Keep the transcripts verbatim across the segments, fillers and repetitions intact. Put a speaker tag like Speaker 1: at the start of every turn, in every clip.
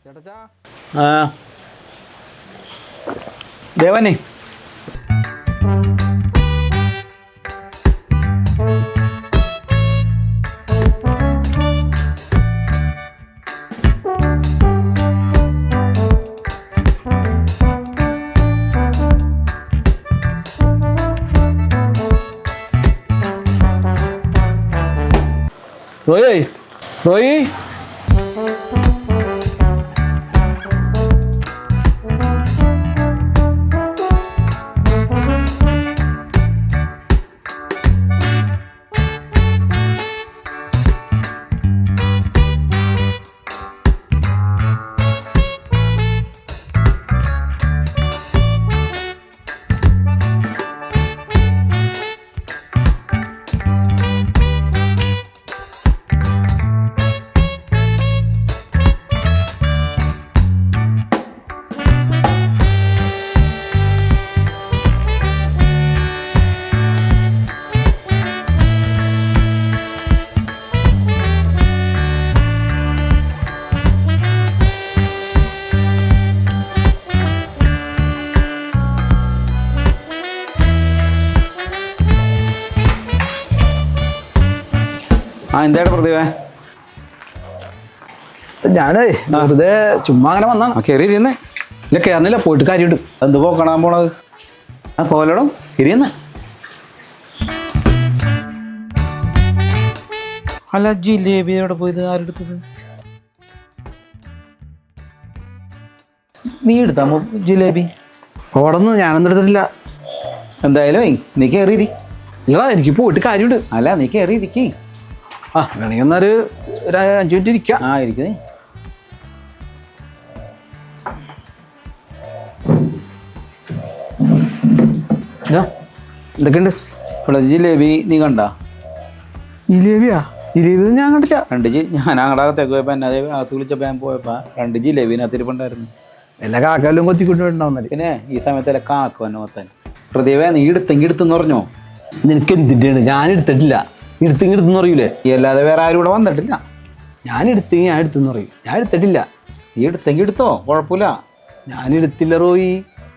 Speaker 1: ആ ദേവനെ റോയ് റോയ് ആ എന്തായിട്ട് പ്രതിഭ
Speaker 2: ഞാനേ വെറുതെ ചുമ്മാ അങ്ങനെ വന്നാ
Speaker 1: കയറി ഇരുന്നേ
Speaker 2: ഇല്ല കയറുന്നില്ല പോയിട്ട് കാര്യമുണ്ട്.
Speaker 1: എന്ത് പോക്കണാൻ പോണത് ആ കോലടം ഇരിയുന്ന അല്ല ജിലേബി എവിടെ പോയത് ആരെടുത്തത് നീ എടുത്താമോ ജിലേബി?
Speaker 2: ഓടൊന്നും ഞാനൊന്നും എടുത്തിട്ടില്ല.
Speaker 1: എന്തായാലും നീ കയറിയിരി.
Speaker 2: ഇല്ലടാ എനിക്ക് പോയിട്ട് കാര്യമുണ്ട്.
Speaker 1: അല്ല നീ കയറി ഇരിക്കേ.
Speaker 2: ആ വേണമെങ്കിൽ എന്നൊരു ഒരു അഞ്ചു മിനിറ്റ് ഇരിക്കാം.
Speaker 1: ആ ഇരിക്കുന്നേ.
Speaker 2: എന്തൊക്കെയുണ്ട്
Speaker 1: ഇവിടെ ജിലേബി നീ കണ്ട?
Speaker 2: ജിലേബിയാ? ജിലേബി ഞാൻ കണ്ടില്ല.
Speaker 1: രണ്ട് ജി ഞാൻ അങ്ങടെ അകത്തേക്ക് പോയപ്പോ എന്നെ അതേ അകത്ത് വിളിച്ചപ്പോ ഞാൻ പോയപ്പോ രണ്ട് ജിലേബിനകത്തിരിപ്പുണ്ടായിരുന്നു.
Speaker 2: എല്ലാ കാക്കാലും കൊത്തിക്കൊണ്ടുണ്ടാവുന്നല്ലേ.
Speaker 1: പിന്നെ ഈ സമയത്തല്ല കാക്ക വന്നെ മൊത്തം. പ്രതിഭ നീ എടുത്തെങ്കിൽ എടുത്തെന്ന് പറഞ്ഞോ?
Speaker 2: നിനക്ക് എന്തിൻ്റെയാണ്? ഞാൻ എടുത്തിട്ടില്ല. എടുത്തെങ്കിൽ എടുത്തെന്ന് പറയൂലേ?
Speaker 1: ഈ അല്ലാതെ വേറെ ആരും ഇവിടെ വന്നിട്ടില്ല.
Speaker 2: ഞാൻ എടുത്തെങ്കിൽ ഞാൻ എടുത്തെന്ന് പറയും. ഞാൻ എടുത്തിട്ടില്ല.
Speaker 1: ഈ എടുത്തെങ്കിൽ എടുത്തോ, കുഴപ്പമില്ല.
Speaker 2: ഞാൻ എടുത്തില്ല റോയി.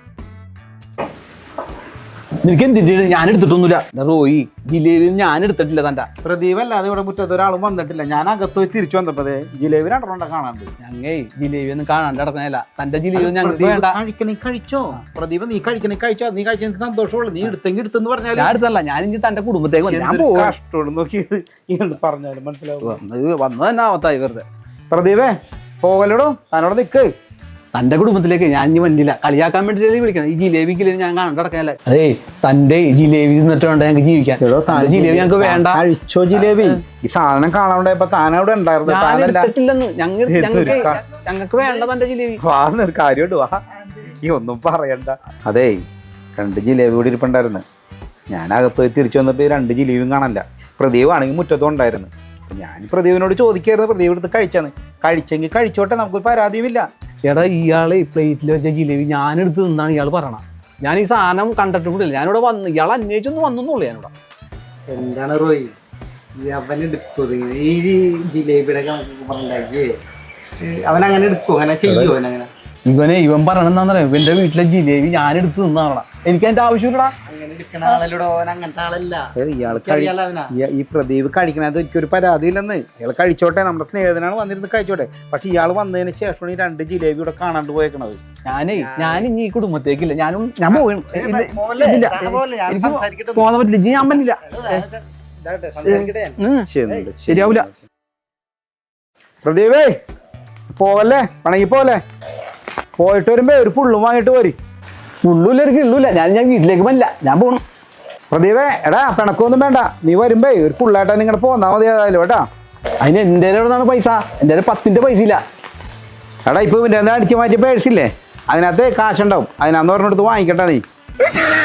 Speaker 2: നിനക്ക് എന്തിൻ്റെയാണ്? ഞാൻ എടുത്തിട്ടൊന്നുമില്ല റോയി. ജിലേബി ഞാൻ എടുത്തിട്ടില്ല. തൻ്റെ
Speaker 1: പ്രദീപ് അല്ലാതെ ഇവിടെ മുറ്റത്ത് ഒരാളും വന്നിട്ടില്ല. ഞാൻ അകത്ത് പോയി തിരിച്ചു വന്നപ്പോ ജിലേബി രണ്ടെണ്ണം കാണാണ്ട്.
Speaker 2: ഞങ്ങേ ജിലേബി ഒന്നും കാണാണ്ട് നടക്കണല്ല. തൻ്റെ ജിലേബി ഞങ്ങൾക്ക് വേണ്ട.
Speaker 1: കഴിക്കണേ കഴിച്ചോ പ്രദീപ്, നീ കഴിക്കണേ കഴിച്ചോ. നീ കഴിച്ച എനിക്ക് സന്തോഷമുള്ളൂ. നീ എടുത്തെങ്കിൽ എടുത്തെന്ന് പറഞ്ഞാൽ
Speaker 2: ഞാൻ എടുത്തല്ല. ഞാൻ ഇനി തൻ്റെ കുടുംബത്തേക്ക്
Speaker 1: കഷ്ടോട് നോക്കി പറഞ്ഞാലും മനസ്സിലാവും.
Speaker 2: വന്നത് തന്നെ ആവത്തായി വെറുതെ.
Speaker 1: പ്രദീപേ പോകലോടോ, തന്നോട് നിക്ക്.
Speaker 2: തൻ്റെ കുടുംബത്തിലേക്ക് ഞാൻ ഇനി വന്നില്ല. കളിയാക്കാൻ വേണ്ടിയിട്ടല്ലേ വിളിക്കണം. ഈ ജിലേബി ജിലേബി ഞാൻ കാണാണ്ട് നടക്കാനല്ലേ. അതേ തൻ്റെ ജിലേബി തിന്നിട്ട് വേണ്ട ഞങ്ങൾക്ക് ജീവിക്കാൻ. ജിലേബി ഞങ്ങൾക്ക് വേണ്ട.
Speaker 1: കഴിച്ചോ ജിലേബി. ഈ സാധനം കാണാണ്ടായപ്പോ താനവിടെ ഉണ്ടായിരുന്നു.
Speaker 2: എടുത്തിട്ടില്ലെന്ന്. ഞങ്ങൾ ഞങ്ങൾക്ക് വേണ്ട തൻ്റെ ജിലേബി.
Speaker 1: വാന്നൊരു കാര്യമുണ്ട്. വാ, ഈ ഒന്നും പറയണ്ട. അതേ രണ്ട് ജിലേബി കൂടി ഇരിപ്പുണ്ടായിരുന്നു. ഞാൻ അകത്ത് പോയി തിരിച്ചു വന്നപ്പോ രണ്ട് ജിലേബിയും കാണാനില്ല. പ്രദീപ് ആണെങ്കിൽ മുറ്റത്തും ഉണ്ടായിരുന്നു. ഞാൻ പ്രദീപിനോട് ചോദിക്കായിരുന്നു, പ്രദീപ് എടുത്ത് കഴിച്ചാന്ന്. കഴിച്ചെങ്കിൽ കഴിച്ചോട്ടെ, നമുക്കൊരു പരാതിയുമില്ല.
Speaker 2: എടാ ഇയാളെ പ്ലേറ്റിൽ വെച്ച ജിലേബി ഞാനെടുത്ത് നിന്നാണ് ഇയാൾ പറയണം. ഞാൻ ഈ സാധനം കണ്ടിട്ട് കൂടില്ല. ഞാനിവിടെ വന്ന് ഇയാൾ അന്വേഷിച്ചൊന്നും വന്നൊന്നുള്ളൂ. ഞാനിവിടെ
Speaker 3: എന്താണ് റോയി അവൻ എടുത്തത് ഈ ജിലേബിയുടെ പറഞ്ഞേ? അവൻ അങ്ങനെ എടുക്കുമോ? അങ്ങനെ ചെയ്യുമോ? അവനങ്ങനെ
Speaker 2: ഇവനെ ഇവൻ പറയണെന്നാന്നറിയാം. ഇവന്റെ വീട്ടിലെ ജിലേബി ഞാൻ എടുത്ത് നിന്നാണ്. എനിക്ക് അതിന്റെ ആവശ്യമില്ലടാ.
Speaker 3: അങ്ങനെ എടുക്കണ ആളല്ലോ അവൻ. അങ്ങനത്തെ ആളല്ല.
Speaker 1: ഇയാൾ ഈ പ്രദീപ് കഴിക്കണത് എനിക്കൊരു പരാതി ഇല്ലെന്ന്. ഇയാൾ കഴിച്ചോട്ടെ, നമ്മുടെ സ്നേഹിതനാണ് വന്നിരുന്ന് കഴിച്ചോട്ടെ. പക്ഷെ ഇയാൾ വന്നതിന് ശേഷമാണ് ഈ രണ്ട് ജിലേബി ഇവിടെ കാണാണ്ട് പോയേക്കണത്.
Speaker 2: ഞാനേ ഞാൻ ഇനി ഈ കുടുംബത്തേക്കില്ല. ഞാനും ഞാൻ പോകാൻ പറ്റില്ല. ഞാൻ പറ്റില്ല. ശരിയാവൂല.
Speaker 1: പ്രദീപേ പോവല്ലേ, പണങ്ങി പോലെ. പോയിട്ട് വരുമ്പോ ഒരു ഫുള്ളും വാങ്ങിട്ട് പോരി.
Speaker 2: ഫുള്ളില്ല എനിക്ക് ഇള്ളൂല്ല. ഞാൻ ഞാൻ വീട്ടിലേക്ക് പറ്റില്ല. ഞാൻ പോകണം.
Speaker 1: പ്രദീപേ എടാ പിണക്കൊന്നും വേണ്ട. നീ വരുമ്പേ ഒരു ഫുള്ളായിട്ടാ നിങ്ങളുടെ പോന്നാ മതി. ഏതായാലും കേട്ടാ.
Speaker 2: അതിന് എൻ്റെ എവിടെന്നാണ് പൈസ? എൻ്റെ പത്തിന്റെ പൈസ ഇല്ല.
Speaker 1: എടാ ഇപ്പൊ ഇവൻ്റെ അടിച്ചു മാറ്റിയ പേഴ്സില്ലേ, അതിനകത്ത് കാശുണ്ടാവും. അതിനകത്ത് പറഞ്ഞെടുത്ത് വാങ്ങിക്കട്ടെ നീ.